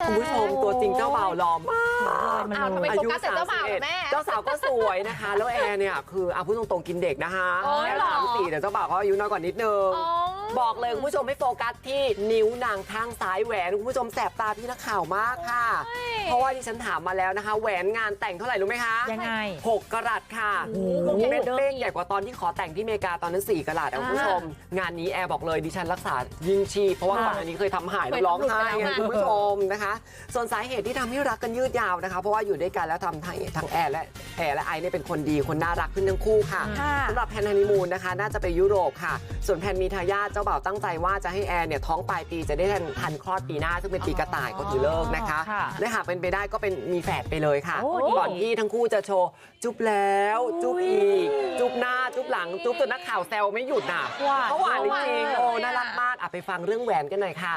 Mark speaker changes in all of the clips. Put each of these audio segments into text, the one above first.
Speaker 1: คุณผู้ชมตัวจริงเจ้าบ่าวหล่อมาก
Speaker 2: อ้าวทำไมโฟกัสแต่เจ้าบ่าวล่ะแม่
Speaker 1: เจ้าสาวก็สวยนะคะแล้วแอร์เนี่ยคือพูดตรงๆกินเด็กนะคะแอร์34แต่เจ้าบ่าวก็อายุน้อยกว่านิดนึงบอกเลยคุณผู้ชมให้โฟกัสที่นิ้วนางข้างซ้ายแหวนคุณผู้ชมแสบตาพี่นักข่าวมากค่ะเพราะว่าที่ฉันถามมาแล้วนะคะแหวนงานแต่งเท่าไหร่รู้ไหมคะ
Speaker 3: ยังไง
Speaker 1: 6 กะรัตค่ะเม็ดเป้งใหญ่กว่าตอนที่ขอแต่งที่อเมริกาตอนนั้น4 กะรัตคุณผู้ชมงานนี้แอร์บอกเลยดิฉันรักษายิ่งชีพเพราะว่าก่อนอันนี้เคยทำหายแล้วร้องไห้ไงคุณผู้ชมนะคะส่วนสาเหตุที่ทำให้รักกันยืดยาวนะคะเพราะว่าอยู่ด้วยกันแล้วทำทั้งแอร์และไอเนี่ยเป็นคนดีคนน่ารักขึ้นทั้งคู่ค่ะสำหรับแพนฮันนีมูนนะคะน่าจะไปยุโรปค่ะส่วนแพนมีทายาทเจ้าบ่าวตั้งใจว่าจะให้แอร์เนี่ยท้องปลายปีจะได้ทันคลอดปีหน้าซึ่งเป็นปีกระต่ายก็ถือเลิกนะคะและหากเป็นไปได้ก็เป็นมีแฝดไปเลยค่ะก่อนที่ทั้งคู่จะโชว์จุ๊บแล้วจุ๊บอีกจุ๊บหน้าจุ๊บหลังจุ๊บจนนักข่าวแซวไม่หยุดน่ะเขาหวานจริงๆโอ้น่ารักมากไปฟังเรื่องแหวนกันหน่อยค่ะ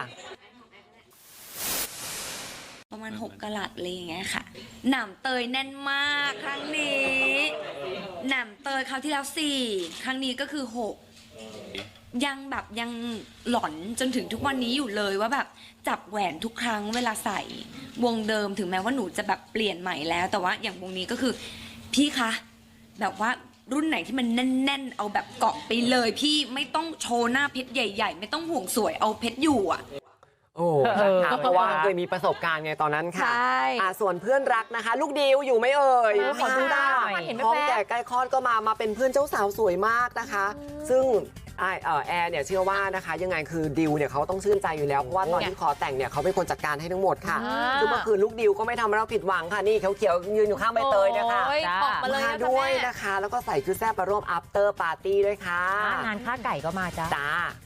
Speaker 4: ประมาณ6 กะรัตอะไรอย่างเงี้ยค่ะหนำเตยแน่นมากครั้งนี้หนำเตยคราวที่แล้ว4ครั้งนี้ก็คือ6ยังหลอนจนถึงทุกวันนี้อยู่เลยว่าแบบจับแหวนทุกครั้งเวลาใส่วงเดิมถึงแม้ว่าหนูจะแบบเปลี่ยนใหม่แล้วแต่ว่าอย่างวงนี้ก็คือพี่คะแบบว่ารุ่นไหนที่มันแน่นๆเอาแบบเกาะไปเลยพี่ไม่ต้องโชว์หน้าเพชรใหญ่ๆไม่ต้องห่วงสวยเอาเพชรอยู่อ่ะ
Speaker 1: โอ้นะคะเพราะว่าเคยมีประสบการณ์ไงตอนนั้นค่ะส่วนเพื่อนรักนะคะลูกดิวอยู่ไหมเอ่ย
Speaker 2: ขอดูได้
Speaker 1: ท้องแก่ใกล้คลอดก็มาเป็นเพื่อนเจ้าสาวสวยมากนะคะซึ่งแอร์เนี่ยเชื่อว่านะคะยังไงคือดิวเนี่ยเขาต้องชื่นใจอยู่แล้วเพราะว่าตอนที่ขอแต่งเนี่ยเขาเป็นคนจัดการให้ทั้งหมดค่ะซึ่งเมื่อคืนลูกดิวก็ไม่ทำให้เราผิดหวังค่ะนี่เขียวๆยืนอยู่ข้างใบเตยนะคะมาด้วยนะคะแล้วก็ใส่ชุดแซ่บมาร่วม after party ด้วยค่ะ
Speaker 3: งานข้าไก่ก็มาจ้า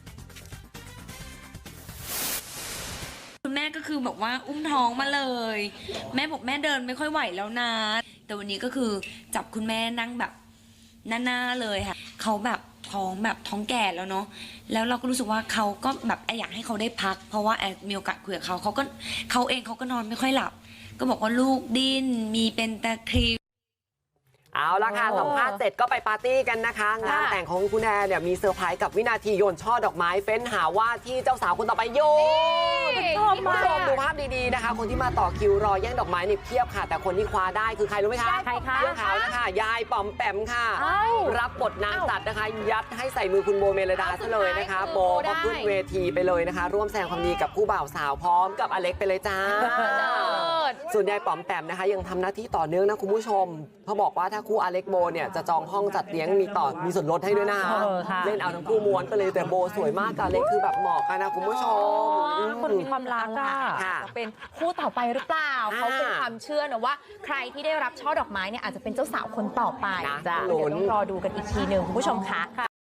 Speaker 4: คุณแม่ก็คือบอกว่าอุ้มท้องมาเลยแม่บอกแม่เดินไม่ค่อยไหวแล้วนะแต่วันนี้ก็คือจับคุณแม่นั่งแบบหน้าเลยค่ะเขาแบบท้องแก่แล้วเนาะแล้วเราก็รู้สึกว่าเขาก็แบบอยากให้เขาได้พักเพราะว่ามีโอกาสคุยกับเขาเองเขาก็นอนไม่ค่อยหลับก็บอกว่าลูกดิ้นมีเป็นตะคริว
Speaker 1: เอาละค่ะสัมภาษณ์เสร็จก็ไปปาร์ตี้กันนะคะงานแต่งของคุณแอร์เนี่ยมีเซอร์ไพรส์กับวินาทีโยนช่อดอกไม้เฟ้นหาว่าที่เจ้าสาวคนต่อไปโยนคุณผู้ชมดูภาพดีๆนะคะคนที่มาต่อคิวรอแย่งดอกไม้นี่เพียบค่ะแต่คนที่คว้าได้คือใครรู้ไหมคะ
Speaker 3: ใครคะ
Speaker 1: เสื้อขาวนะคะยายป๋อมแปมค่ะรับบทนางตัดนะคะยัดให้ใส่มือคุณโบเมลดาซะเลยนะคะโบก็ขึ้นเวทีไปเลยนะคะร่วมแสดงความดีกับคู่บ่าวสาวพร้อมกับอเล็กไปเลยจ้าส่วนยายป๋อมแปมนะคะยังทำหน้าที่ต่อเนื่องนะคุณผู้ชมเขาบอกว่าถ้าคู่อเล็กโบเนี่ยจะจองห้องจัดเลี้ยงมีส่วนลดให้ด้วยนะคะเล่นเอาทั้งคู่ม้วนไปเลยแต่โบสวยมากกับอเล็กคือแบบเหมาะกันนะคุณผู้ชม
Speaker 3: คนมีความรัก
Speaker 2: จะเป็นคู่ต่อไปหรือเปล่าเขาเป็นความเชื่อนะว่าใครที่ได้รับช่อดอกไม้เนี่ยอาจจะเป็นเจ้าสาวคนต่อไปเดี๋ยวต้องรอดูกันอีกทีหนึ่งคุณผู้ชมค่ะ